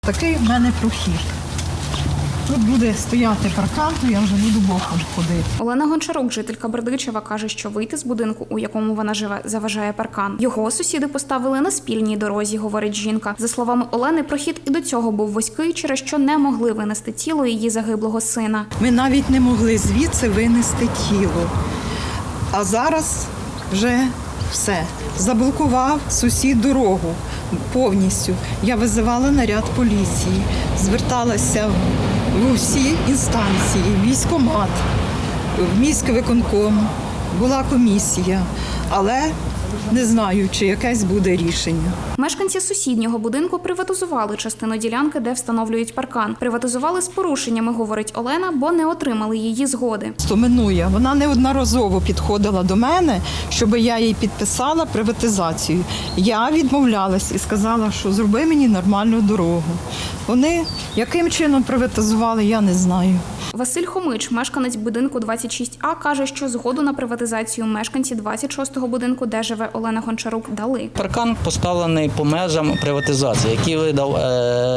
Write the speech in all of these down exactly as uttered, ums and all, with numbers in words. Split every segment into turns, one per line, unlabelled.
Такий в мене прохід. Тут буде стояти паркан, то я вже буду боком ходити.
Олена Гончарук, жителька Бердичева, каже, що вийти з будинку, у якому вона живе, заважає паркан. Його сусіди поставили на спільній дорозі, говорить жінка. За словами Олени, прохід і до цього був вузький, через що не могли винести тіло її загиблого сина.
Ми навіть не могли звідси винести тіло. А зараз вже все. Заблокував сусід дорогу повністю. Я визивала наряд поліції, зверталася в усі інстанції, в військкомат, в міськвиконком. Була комісія, але не знаю, чи якесь буде рішення.
Мешканці сусіднього будинку приватизували частину ділянки, де встановлюють паркан. Приватизували з порушеннями, говорить Олена, бо не отримали її згоди.
Стоминує. Вона неодноразово підходила до мене, щоб я їй підписала приватизацію. Я відмовлялась і сказала, що зроби мені нормальну дорогу. Вони яким чином приватизували, я не знаю.
Василь Хомич, мешканець будинку двадцять шість А, каже, що згоду на приватизацію мешканці двадцять шостого будинку, де живе Олена Гончарук, дали.
Паркан поставлений по межам приватизації, який видав е-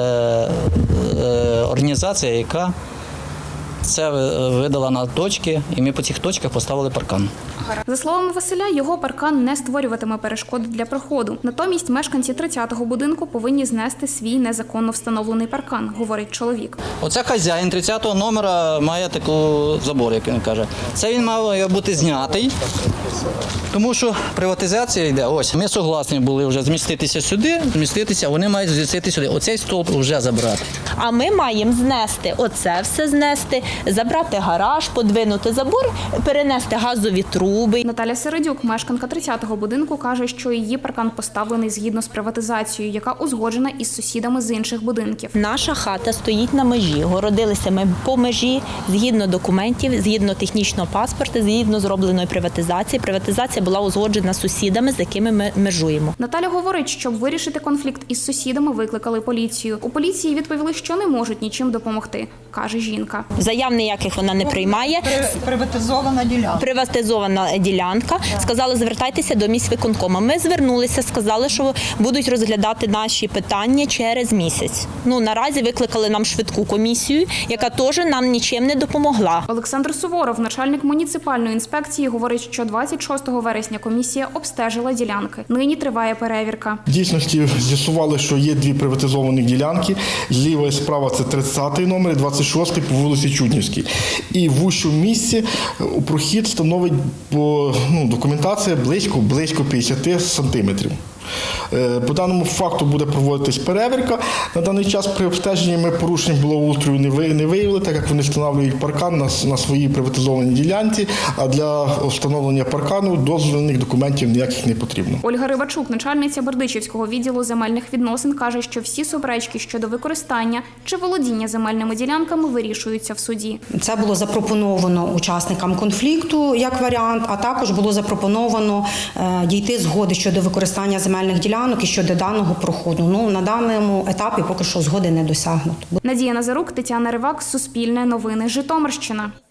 е- організація, яка це видала на точки, і ми по цих точках поставили паркан.
За словами Василя, його паркан не створюватиме перешкоди для проходу. Натомість мешканці тридцятого будинку повинні знести свій незаконно встановлений паркан, говорить чоловік.
Оце хазяїн тридцятого номера має таку забор, як він каже. Це він мав бути знятий, тому що приватизація йде. Ось, ми согласні були вже зміститися сюди, зміститися, вони мають змістити сюди. Оцей стовп вже забрати.
А ми маємо знести оце все знести, забрати гараж, подвинути забор, перенести газові труби.
Наталя Середюк, мешканка тридцятого будинку, каже, що її паркан поставлений згідно з приватизацією, яка узгоджена із сусідами з інших будинків.
Наша хата стоїть на межі, городилися ми по межі, згідно документів, згідно технічного паспорту, згідно зробленої приватизації. Приватизація була узгоджена з сусідами, з якими ми межуємо.
Наталя говорить, щоб вирішити конфлікт із сусідами, викликали поліцію. У поліції відповіли, що не можуть нічим допомогти, каже жінка.
Заяв ніяких вона не приймає.
Приватизована ділянка.
Приватизована ділянка. Сказали, звертайтеся до міськвиконкому. Ми звернулися, сказали, що будуть розглядати наші питання через місяць. Ну, наразі викликали нам швидку комісію, яка теж нам нічим не допомогла.
Олександр Суворов, начальник муніципальної інспекції, говорить, що двадцять шостого вересня комісія обстежила ділянки. Нині триває перевірка.
В дійсності з'ясували, що є дві приватизовані ділянки. Зліва і справа це тридцятий номер і двадцять шостий по вулиці Чуднівській. І в ущому місці у прохід становить по ну, документація близько, близько п'ятдесят сантиметрів. По даному факту буде проводитись перевірка. На даний час при обстеженні ми порушень благоустрою не виявили, так як вони встановлюють паркан на, на своїй приватизованій ділянці, а для встановлення паркану дозвільних документів ніяких не потрібно.
Ольга Рибачук, начальниця Бердичівського відділу земельних відносин, каже, що всі суперечки щодо використання чи володіння земельними ділянками вирішуються в суді.
Це було запропоновано учасникам конфлікту як варіант, а також було запропоновано е, дійти згоди щодо використання земельних ділянок і щодо даного проходу. Ну, на даному етапі поки що згоди не досягнуто.
Надія Назарук, Тетяна Ривак, Суспільне новини, Житомирщина.